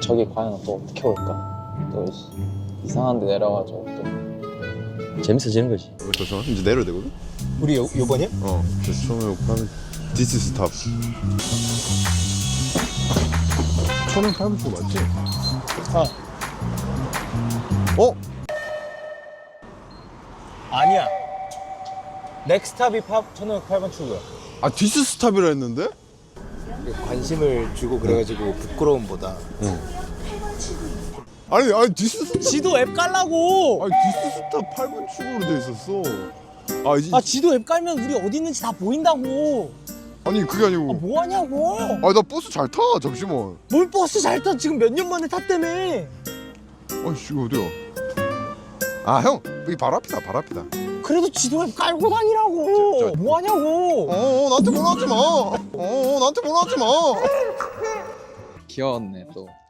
저기 과연 또 어떻게 올까? 또 이상한 데 내려가지고 또 재밌어지는 거지. 잠시만 이제 내려야 되거든? 우리 요번이야? 그래서 처음에 하면 This is top. 처음에 8분 맞지? 아니야. 넥스탑이 1508번 출구야. 아 This is top이라 했는데? 관심을 주고 그래가지고 부끄러움보다. 아니 This is 지도 앱 깔라고. 아니 This is top 8분 출구로 돼 있었어. 지도 앱 깔면 우리 어디 있는지 다 보인다고. 아니 그게 아니고. 뭐 하냐고. 나 버스 잘 타. 잠시만. 뭘 버스 잘 타. 지금 몇 년 만에 탔다며. 아이씨 이거 어디야? 아 형 여기 바로 앞이다. 바로 앞이다. 그래도 지도 앱 깔고 다니라고. 뭐 하냐고. 나한테 뭐라 하지 마. 나한테 뭐라 하지 마. 귀여웠네 또.